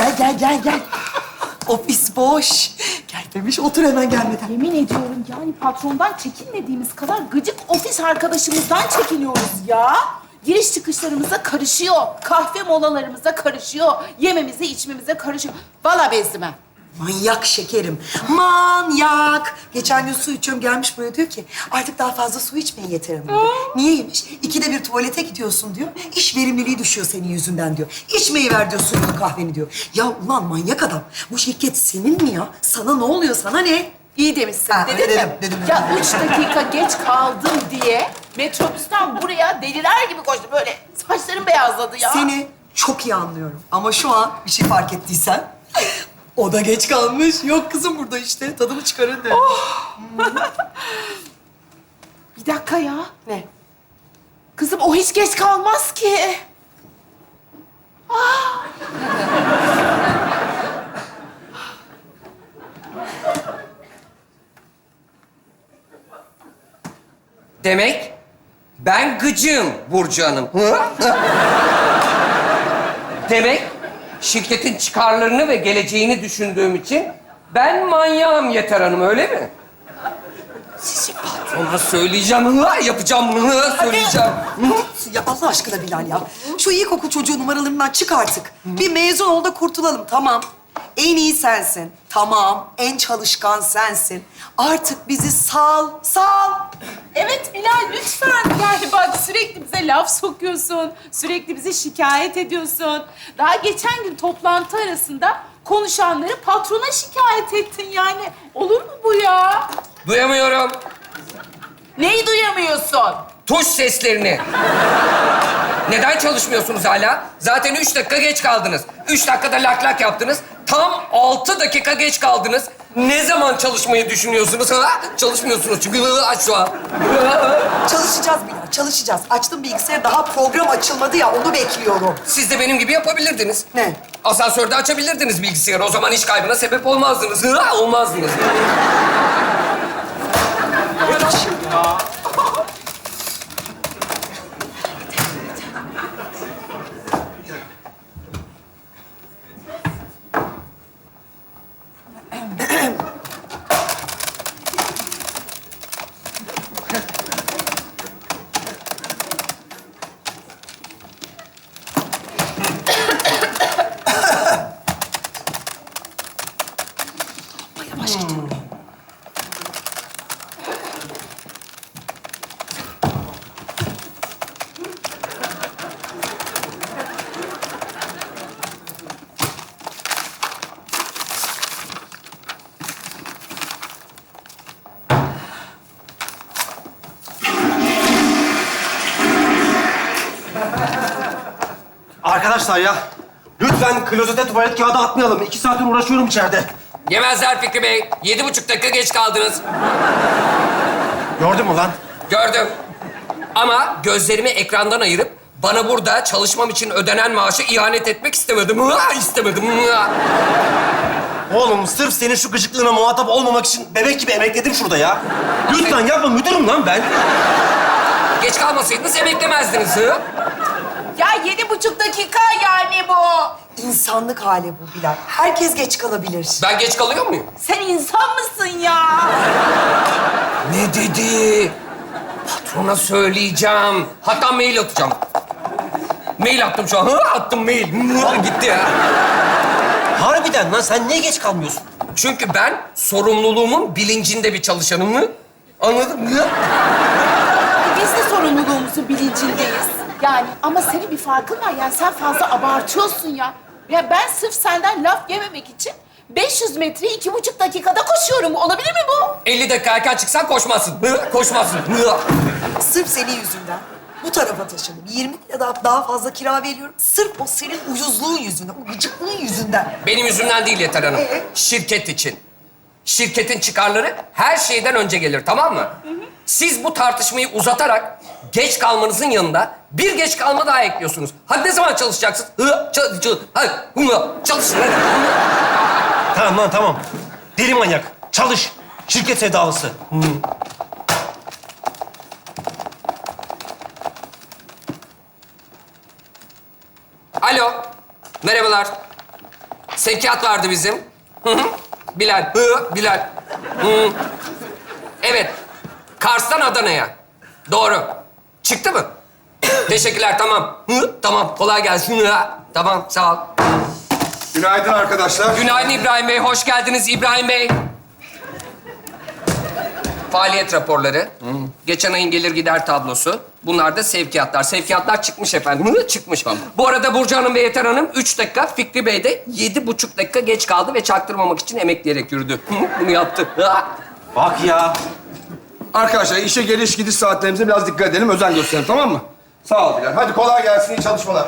Gel. Ofis boş. Gelmemiş, otur hemen gelmeden. Yemin ediyorum yani patrondan çekinmediğimiz kadar gıcık ofis arkadaşımızdan çekiniyoruz ya. Giriş çıkışlarımıza karışıyor. Kahve molalarımıza karışıyor. Yememize, içmemize karışıyor. Vallahi bezdim ha. Manyak şekerim, manyak. Geçen gün su içiyorum, gelmiş buraya diyor ki... ...artık daha fazla su içmeyin Yeter Hanım diyor. Niyeymiş? İkide bir tuvalete gidiyorsun diyor. İş verimliliği düşüyor senin yüzünden diyor. İçmeyi ver diyor suyunu, kahveni diyor. Ya ulan manyak adam, bu şirket senin mi ya? Sana ne oluyor, sana ne? İyi demişsin. Ha, Dedin mi? dedim. Ya 3 dakika geç kaldım diye metrobüsten buraya deliler gibi koştu. Böyle saçlarım beyazladı ya. Seni çok iyi anlıyorum. Ama şu an bir şey fark ettiysen... O da geç kalmış. Yok kızım burada işte. Tadını çıkarın de. Bir dakika ya. Ne? Kızım o hiç geç kalmaz ki. Demek ben gıcığım Burcu Hanım. Demek şirketin çıkarlarını ve geleceğini düşündüğüm için ben manyağım Yeter Hanım, öyle mi? Sizi patrona söyleyeceğim, yapacağım, söyleyeceğim. Ya Allah aşkına Bilal ya. Şu ilkokul çocuğu numaralarından çık artık. Bir mezun ol da kurtulalım, tamam. En iyi sensin. Tamam. En çalışkan sensin. Artık bizi sal. Evet Bilal lütfen. Yani bak sürekli bize laf sokuyorsun. Sürekli bizi şikayet ediyorsun. Daha geçen gün toplantı arasında konuşanları patrona şikayet ettin yani. Olur mu bu ya? Duyamıyorum. Neyi duyamıyorsun? Tuş seslerini. Neden çalışmıyorsunuz hala? Zaten 3 dakika geç kaldınız. 3 dakikada lak lak yaptınız. Tam 6 dakika geç kaldınız. Ne zaman çalışmayı düşünüyorsunuz? Ha? Çalışmıyorsunuz çünkü şu an. Çalışacağız Bilal, çalışacağız. Açtım bilgisayarı, daha program açılmadı ya, onu bekliyorum. Siz de benim gibi yapabilirdiniz. Ne? Asansörde açabilirdiniz bilgisayarı. O zaman iş kaybına sebep olmazdınız. Olmazdınız. Yavaş git. Arkadaşlar ya, lütfen klozete tuvalet kağıdı atmayalım. 2 saattir uğraşıyorum içeride. Yemezler Fikri Bey. 7,5 dakika geç kaldınız. Gördün mü lan? Gördüm. Ama gözlerimi ekrandan ayırıp bana burada çalışmam için ödenen maaşı ihanet etmek istemedim. İstemedim. Oğlum sırf senin şu gıcıklığına muhatap olmamak için bebek gibi emekledim şurada ya. Lütfen yapma, müdürüm lan ben. Geç kalmasaydınız emeklemezdiniz. Ya 7,5 dakika yani bu. İnsanlık hali bu Bilal. Herkes geç kalabilir. Ben geç kalıyor muyum? Sen insan mısın ya? Ne dedi? Patrona söyleyeceğim. Hatta mail atacağım. Mail attım şu an. Attım mail. Gitti ya. Harbiden lan, sen niye geç kalmıyorsun? Çünkü ben sorumluluğumun bilincinde bir çalışanım. Anladın mı? Biz de sorumluluğumuzun bilincindeyiz. Yani ama senin bir farkın var. Yani sen fazla abartıyorsun ya. Ya ben sırf senden laf yememek için 500 metreyi 2,5 dakikada koşuyorum. Olabilir mi bu? 50 dakika erken çıksan koşmazsın. Koşmazsın. Sırf senin yüzünden bu tarafa taşındım. 20 lira daha fazla kira veriyorum. Sırf o senin uyuzluğun yüzünden, o gıcıklığın yüzünden. Benim yüzümden değil Yeter Hanım. Şirket için. Şirketin çıkarları her şeyden önce gelir, tamam mı? Siz bu tartışmayı uzatarak geç kalmanızın yanında bir geç kalma daha ekliyorsunuz. Hadi ne zaman çalışacaksınız? Hadi çalışın hadi. Tamam lan, tamam. Deli manyak, çalış. Şirket sevdalısı. Alo, merhabalar. Sevkiyat vardı bizim. Hı hı. Bilal. Bilal. Hı. Evet. Kars'tan Adana'ya. Doğru. Çıktı mı? Teşekkürler, tamam. Tamam, kolay gelsin. Tamam, sağ ol. Günaydın arkadaşlar. Günaydın İbrahim Bey, hoş geldiniz İbrahim Bey. Faaliyet raporları, geçen ayın gelir gider tablosu. Bunlar da sevkiyatlar. Sevkiyatlar çıkmış efendim. Çıkmış. Bu arada Burcu Hanım ve Yeter Hanım 3 dakika, Fikri Bey de 7,5 dakika geç kaldı ve çaktırmamak için emekleyerek yürüdü. Bunu yaptı. Bak ya. Arkadaşlar işe geliş gidiş saatlerimize biraz dikkat edelim, özen gösterelim, tamam mı? Sağ ol Bilal. Hadi kolay gelsin, iyi çalışmalar.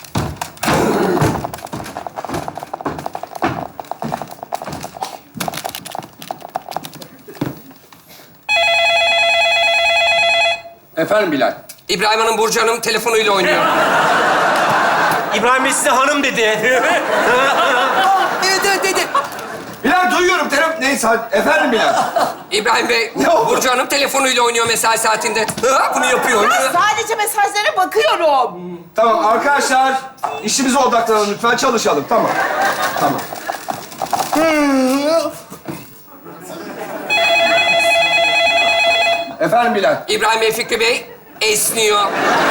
Efendim Bilal. İbrahim Hanım, Burcu Hanım telefonuyla oynuyor. İbrahim Bey size hanım dedi. Evet dedi. Bilal duyuyorum, neyse hadi. Efendim Bilal. İbrahim Bey, Ne oldu? Burcu Hanım telefonuyla oynuyor mesai saatinde. Bunu yapıyor. Ben sadece mesajlara bakıyorum. Tamam arkadaşlar, işimize odaklanalım lütfen, çalışalım. Tamam. Tamam. Efendim Bilal. İbrahim Bey, Fikri Bey esniyor.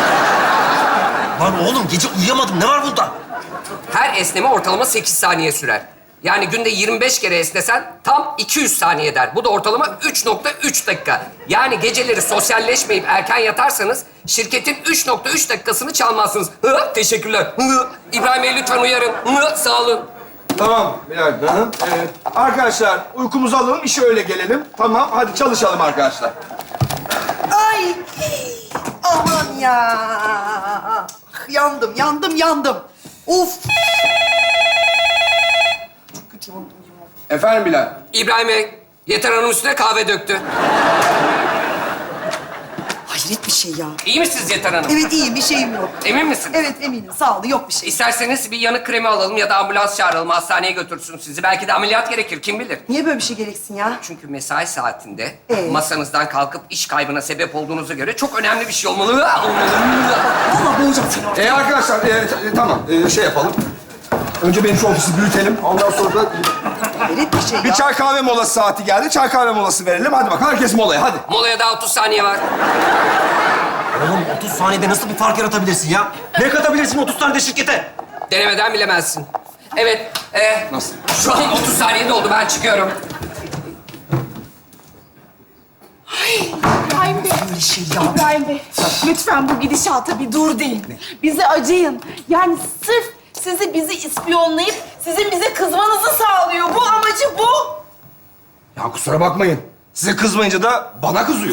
Lan oğlum gece uyuyamadım. Ne var bunda? Her esneme ortalama 8 saniye sürer. Yani günde 25 kere esnesen tam 200 saniye eder. Bu da ortalama 3,3 dakika. Yani geceleri sosyalleşmeyip erken yatarsanız şirketin 3,3 dakikasını çalmazsınız. Teşekkürler. İbrahim Bey lütfen uyarın. Sağ olun. Tamam Bilal. Hı. Evet. Arkadaşlar uykumuzu alalım, işe öyle gelelim. Tamam, hadi çalışalım arkadaşlar. Ay. Aman ya. Yandım. Of. Çok kötü yandım ya. Efendim Bilal. İbrahim Bey, Yeter Hanım üstüne kahve döktü. Hayret bir şey ya. İyi misiniz Yeter Hanım? Evet iyiyim, bir şeyim yok. Emin misiniz? Evet eminim, sağ ol, yok bir şey. İsterseniz bir yanık kremi alalım ya da ambulans çağıralım, hastaneye götürsün sizi. Belki de ameliyat gerekir, kim bilir? Niye böyle bir şey gereksin ya? Çünkü mesai saatinde Masanızdan kalkıp iş kaybına sebep olduğunuza göre çok önemli bir şey olmalı. Vallahi boğacağım seni orada. Arkadaşlar tamam şey yapalım. Önce benim şu ofisi büyütelim. Ondan sonra da Hayret bir şey ya. bir çay kahve molası saati geldi. Çay kahve molası verelim. Hadi bak herkes molaya hadi. Molaya daha 30 saniye var. Oğlum 30 saniyede nasıl bir fark yaratabilirsin ya? Ne katabilirsin 30 saniyede şirkete? Denemeden bilemezsin. Evet, Nasıl? şu an 30 saniye doldu, ben çıkıyorum. İbrahim Bey. Böyle şey ya. İbrahim Bey, lütfen bu gidişata bir dur deyin. Bize acıyın. Yani sırf bizi ispiyonlayıp sizin bize kızmanızı sağlıyor. Bu amacı bu. Ya kusura bakmayın. Size kızmayınca da bana kızıyor.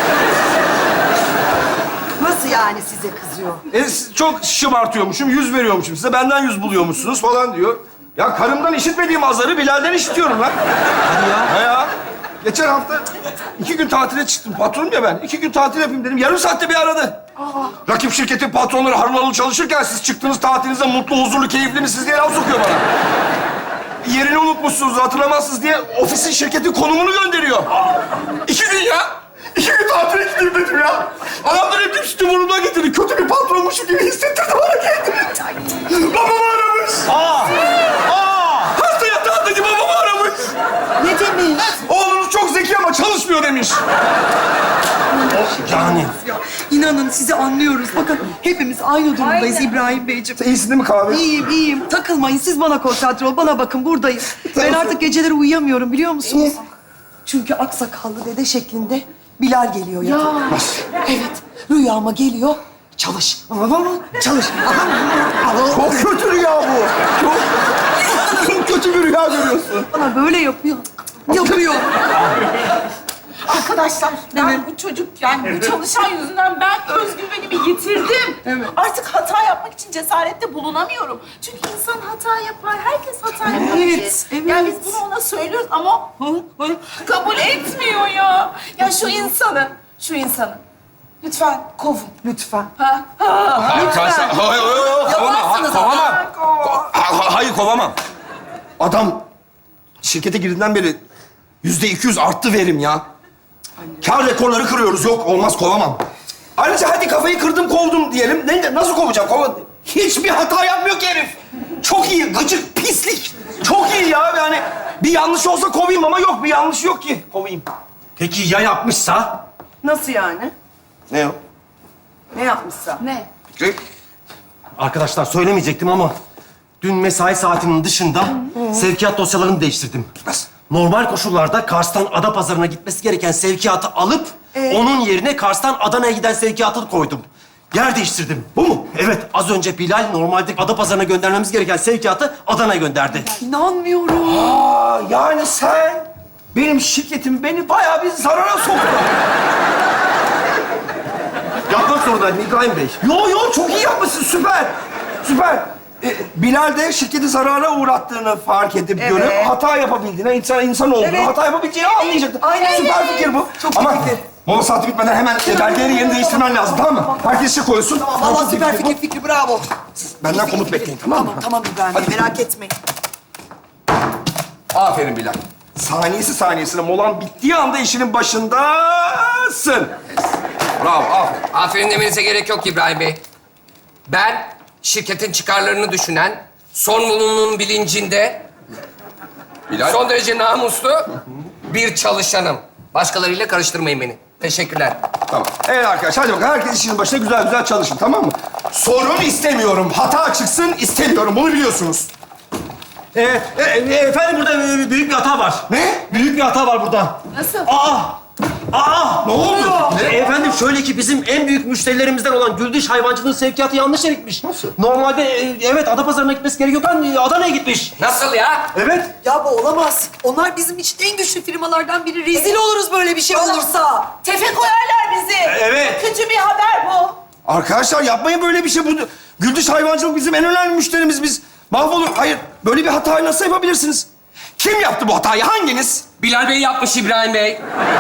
Nasıl yani size kızıyor? Çok şımartıyormuşum, 100 veriyormuşum size. Benden 100 buluyormuşsunuz falan diyor. Ya karımdan işitmediğim azarı Bilal'den işitiyorum lan. Hadi ya. Ha ya. Geçen hafta 2 gün tatile çıktım. Patronum ya ben. 2 gün tatil yapayım dedim. Yarım saatte bir aradı. Rakip şirketin patronları harıl harıl çalışırken siz çıktınız tatilinize mutlu, huzurlu, keyifli misiniz diye laf sokuyor bana. Yerini unutmuşsunuz, hatırlamazsınız diye ofisin, şirketin konumunu gönderiyor. 2 gün ya. 2 gün tatile gideyim dedim ya. Adamlar hep üstü burnumdan getirdi. Kötü bir patronmuşum gibi hissettirdi bana kendimi. Babamı aramış. Hasta yatağındaki babamı aramış. Ne demiş? Oğlunuz çok zeki ama çalışmıyor demiş. Yani. Ya, İnanın sizi anlıyoruz. Bakın hepimiz aynı durumdayız Aynen. İbrahim Beyciğim. İyisin değil mi kahve? İyiyim. Takılmayın. Siz bana konsantre ol. Bana bakın buradayım. Ben artık geceleri uyuyamıyorum biliyor musunuz? Çünkü aksakallı dede şeklinde Bilal geliyor ya. Evet. Rüyama geliyor. Çalış. Çalış. Çok kötü rüya bu. Çok kötü bir rüya görüyorsun. Bana böyle yapıyor. Yapıyor. Arkadaşlar, ben bu çocuk, yani bu çalışan yüzünden ben özgüvenimi yitirdim. Evet. Artık hata yapmak için cesarette bulunamıyorum. Çünkü insan hata yapar, herkes hata yapar. Evet, evet. Yani biz bunu ona söylüyoruz ama kabul etmiyor ya. Ya şu insanı lütfen kovun. Lütfen. Arkadaşlar, hayır, kovamam. Hayır, kovamam. Adam şirkete girdiğinden beri %200 arttı verim ya. Kar rekorları kırıyoruz. Yok, olmaz, kovamam. Ayrıca hadi kafayı kırdım, kovdum diyelim. Nasıl kovacağım? Hiçbir hata yapmıyor ki herif. Çok iyi, gıcık, pislik. Çok iyi ya yani. Bir yanlış olsa kovayım ama yok, bir yanlış yok ki kovayım. Peki ya yapmışsa? Nasıl yani? Ne o? Ne yapmışsa? Ne? Fikri? Arkadaşlar söylemeyecektim ama dün mesai saatinin dışında sevkiyat dosyalarını değiştirdim. Nasıl? Normal koşullarda Kars'tan Adapazarı'na gitmesi gereken sevkiyatı alıp onun yerine Kars'tan Adana'ya giden sevkiyatı koydum. Yer değiştirdim. Bu mu? Evet. Az önce Bilal normalde Adapazarı'na göndermemiz gereken sevkiyatı Adana'ya gönderdi. İnanmıyorum. Aa, yani sen benim şirketim beni bayağı bir zarara soktu. Yapmak zorundaydım İbrahim Bey. Yo çok iyi yapmışsın, süper. Süper. Bilal de şirketi zarara uğrattığını fark edip görüp hata yapabildiğine, insan olduğunu, hata yapabileceğini anlayacaktı. Aynen. Süper fikir bu. Çok ama iyi fikir. mola saati bitmeden hemen belgeleri yerini değiştirmen lazım, tamam mı? Herkes şey koysun. Vallahi Çok iyi süper bu. fikir, bravo. Benden komut bekleyin, tamam mı? Tamam İbrahim Bey, merak etmeyin. Aferin Bilal. Saniyesi saniyesine molan bittiği anda işinin başındasın. Bravo, aferin. Aferin demenize gerek yok İbrahim Bey. Ben şirketin çıkarlarını düşünen, sorumluluğunun bilincinde son derece namuslu bir çalışanım. Başkalarıyla karıştırmayın beni. Teşekkürler. Tamam. Evet arkadaşlar, hadi bakalım. Herkes işinin başına güzel güzel çalışın, tamam mı? Sorun istemiyorum, hata çıksın istemiyorum. Bunu biliyorsunuz. Efendim burada büyük bir hata var. Ne? Büyük bir hata var burada. Nasıl? Aa! Ne oldu? Efendim şöyle ki bizim en büyük müşterilerimizden olan Güldüş Hayvancılığın sevkiyatı yanlış yere gitmiş. Nasıl? Normalde evet Adapazarı'na gitmesi gerekiyorken Adana'ya gitmiş. Nasıl ya? Evet. Ya bu olamaz. Onlar bizim için en güçlü firmalardan biri. Rezil oluruz böyle bir şey olursa. Tefe koyarlar bizi. Evet. Kötü bir haber bu. Arkadaşlar yapmayın böyle bir şey. Bu Güldüş Hayvancılık bizim en önemli müşterimiz. Biz mahvolur. Hayır, böyle bir hatayı nasıl yapabilirsiniz? Kim yaptı bu hatayı? Hanginiz? Bilal Bey yapmış İbrahim Bey.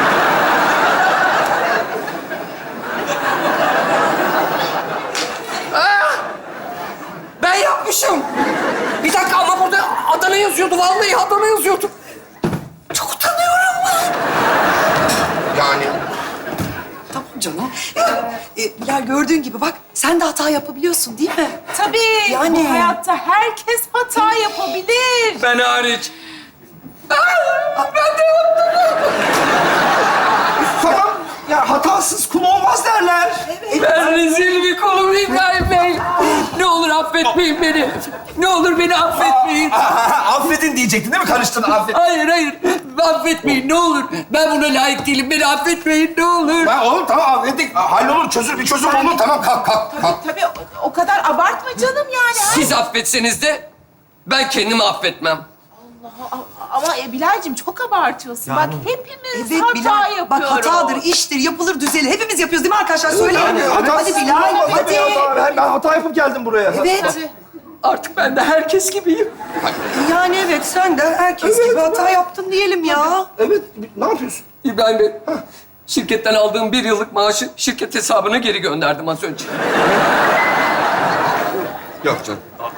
Ben yapmışım. Bir dakika ama burada Adana yazıyordu. Vallahi Adana yazıyordu. Çok utanıyorum. Yani Tamam canım. Bilal gördüğün gibi bak sen de hata yapabiliyorsun değil mi? Tabii. Yani. Bu hayatta herkes hata yapabilir. Ben hariç. tamam. Ya hatasız kul olmaz derler. Ben rezil bir kolum İbrahim Bey. Ne olur affetmeyin beni. Ne olur beni affetmeyin. Affedin diyecektin değil mi? Karıştın, affet. Hayır, hayır. Affetmeyin ne olur. Ben buna layık değilim. Beni affetmeyin ne olur. Ben oğlum tamam affettik. Hallolur, bir çözüm olur. Tamam, kalk. Tabii o kadar abartma canım yani. Siz affetseniz de ben kendimi affetmem. Ama Bilal'cim çok abartıyorsun. Bak hepimiz hata Bilal, yapıyoruz. bak hatadır, iştir, yapılır, düzelir. Hepimiz yapıyoruz değil mi arkadaşlar? Söyleyin. Hadi hatasız Bilal, olmaz hadi. tabii ya. Ben hata yapıp geldim buraya. Evet. Tabii. Artık ben de herkes gibiyim. Yani evet sen de herkes gibi hata yaptın diyelim ya. Evet, ne yapıyorsun? İbrahim Bey, şirketten aldığım 1 yıllık maaşı şirket hesabına geri gönderdim az önce. Yok canım.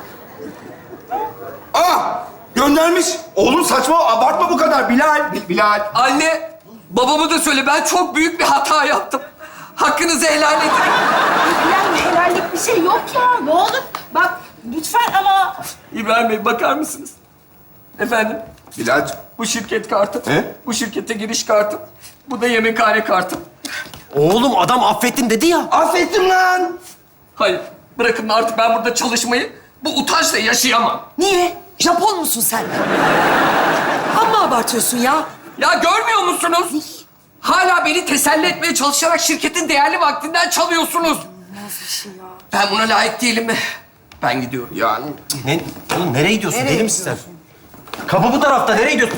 Göndermiş. Oğlum saçma, abartma bu kadar. Bilal. Anne, babamı da söyle. Ben çok büyük bir hata yaptım. Hakkınızı helal edin. Bilal helallik bir şey yok ya. Ne olur bak lütfen ama. İbrahim Bey, bakar mısınız? Efendim, Bilal'cim. bu şirket kartım. Ne? Bu şirkete giriş kartım. Bu da yemekhane kartım. Oğlum adam affettim dedi ya. Affettim lan. Hayır, bırakın artık ben burada çalışmayı bu utançla yaşayamam. Niye? Japon musun sen? Amma abartıyorsun ya. Ya görmüyor musunuz? Hala beni teselli etmeye çalışarak şirketin değerli vaktinden çalıyorsunuz. Ben buna layık değilim mi? Ben gidiyorum. Yani. Ne? Oğlum nereye gidiyorsun? Nereye Deli misin sen? Kapı bu tarafta. Nereye gidiyorsun?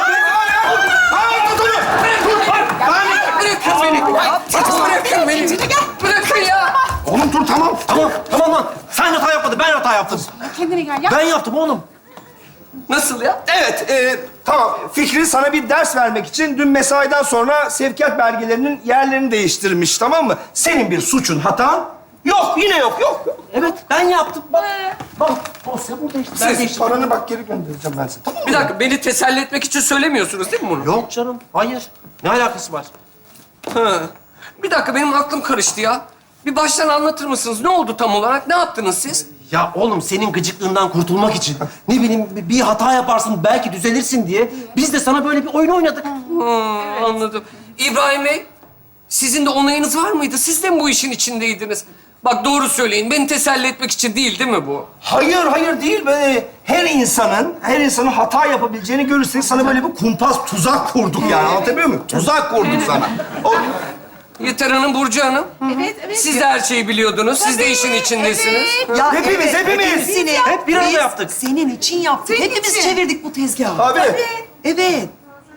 Bırakın beni. Bırakın beni. Bırakın ya. Oğlum dur, tamam. Tamam lan. Sen hata yapmadın. Ben hata yaptım. Kendine gel ya. Ben yaptım oğlum. Nasıl ya? Evet, tamam. Fikri sana bir ders vermek için dün mesaiden sonra sevkiyat belgelerinin yerlerini değiştirmiş, tamam mı? Senin bir suçun, hatan yok. Yine yok. Evet ben yaptım. Bak dosya burada işte. Ben Siz değiştirdim. paranı bak geri göndereceğim ben sana. Tamam mı? Bir dakika, beni teselli etmek için söylemiyorsunuz değil mi bunu? Yok canım. Hayır. Ne alakası var? Ha. Bir dakika, benim aklım karıştı ya. Bir baştan anlatır mısınız? Ne oldu tam olarak? Ne yaptınız siz? Ya oğlum senin gıcıklığından kurtulmak için ne bileyim bir hata yaparsın belki düzelirsin diye biz de sana böyle bir oyun oynadık. Anladım. İbrahim Bey, sizin de onayınız var mıydı? Siz de mi bu işin içindeydiniz? Bak doğru söyleyin. Beni teselli etmek için değil mi bu? Hayır değil. Böyle her insanın hata yapabileceğini görürsek sana böyle bir kumpas, tuzak kurduk yani. Anlatabiliyor muyum? Tuzak kurduk sana. Yeter Hanım, Burcu Hanım. Evet. Siz de her şeyi biliyordunuz. Siz de işin içindesiniz. Ya Hepimiz. hepsini Hep bir arada biz yaptık. Senin için yaptık. Senin Hepimiz için. çevirdik bu tezgahı. Abi. Evet.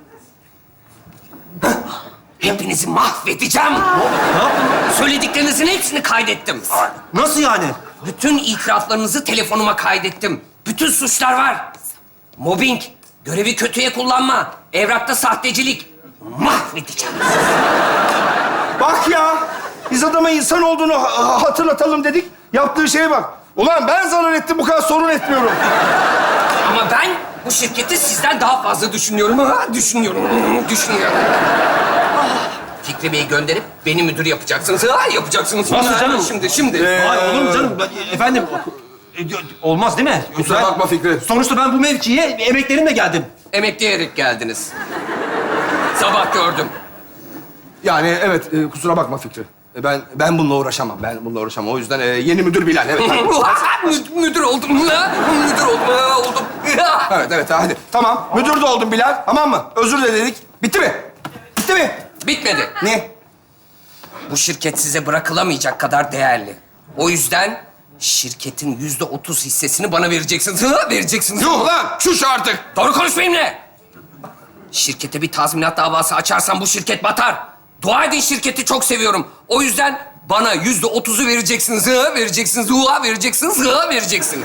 Hepinizi mahvedeceğim. Ne yaptın? Söylediklerinizin hepsini kaydettim. Nasıl yani? Bütün itiraflarınızı telefonuma kaydettim. Bütün suçlar var. Mobbing, görevi kötüye kullanma, evrakta sahtecilik. Mahvedeceğim. Bak ya. Biz adama insan olduğunu hatırlatalım dedik. Yaptığı şeye bak. Ulan ben zarar ettim, bu kadar sorun etmiyorum. Ama ben bu şirketi sizden daha fazla düşünüyorum. Düşünüyorum. Fikri Bey'i gönderip beni müdür yapacaksınız. Yapacaksınız. Nasıl canım? Şimdi. Ay olur mu canım? Efendim olmaz değil mi? Kusura bakma Fikri. Sonuçta ben bu mevkiye emeklerimle geldim. Emekleyerek geldiniz. Sabah gördüm. Yani evet, kusura bakma Fikri. Ben bununla uğraşamam. O yüzden yeni müdür Bilal. Evet, Müdür oldum. Oldum. evet, hadi. Tamam, müdür de oldun Bilal. Tamam mı? Özür de dedik. Bitti mi? Bitmedi. Ne? Bu şirket size bırakılamayacak kadar değerli. O yüzden şirketin %30 hissesini bana vereceksiniz. Vereceksiniz. Yuh lan! Şuş artık! Doğru konuş benimle. Şirkete bir tazminat davası açarsam bu şirket batar. Dua edin, şirketi çok seviyorum. O yüzden bana %30'u vereceksiniz. Vereceksiniz.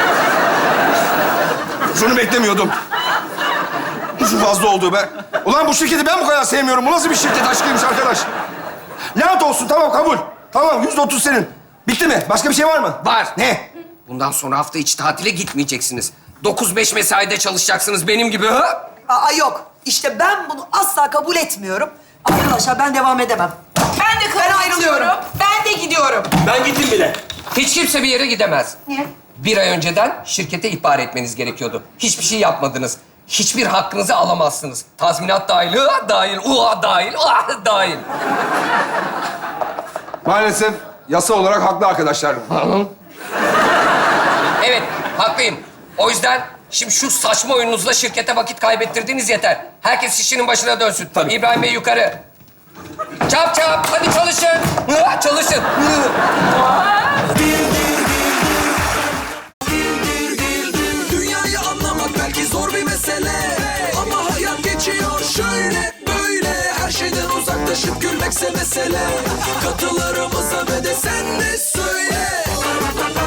Şunu beklemiyordum. Şu fazla oldu be. Ulan bu şirketi ben bu kadar sevmiyorum. Bu nasıl bir şirket aşkıymış arkadaş? Lanet olsun, tamam kabul. Tamam, %30 senin. Bitti mi? Başka bir şey var mı? Var. Ne? Bundan sonra hafta içi tatile gitmeyeceksiniz. 9-5 mesaide çalışacaksınız benim gibi. Ha? Aa yok. İşte ben bunu asla kabul etmiyorum. Arkadaşlar ben devam edemem. Ben ayrılıyorum. Ben de gidiyorum. Ben gittim bile. Hiç kimse bir yere gidemez. Niye? Bir ay önceden şirkete ihbar etmeniz gerekiyordu. Hiçbir şey yapmadınız. Hiçbir hakkınızı alamazsınız. Tazminat dahil, dahil. Maalesef yasa olarak haklı arkadaşlar. Evet, haklıyım. O yüzden şimdi şu saçma oyununuzla şirkete vakit kaybettirdiğiniz yeter. Herkes işinin başına dönsün. Tabii. İbrahim Bey yukarı. Çap, hadi çalışın. Çalışın. Dünyayı anlamak belki zor bir mesele, ama hayat geçiyor şöyle böyle. Her şeyden uzaklaşıp gülmekse mesele. Katılarımıza ve de sen de söyle.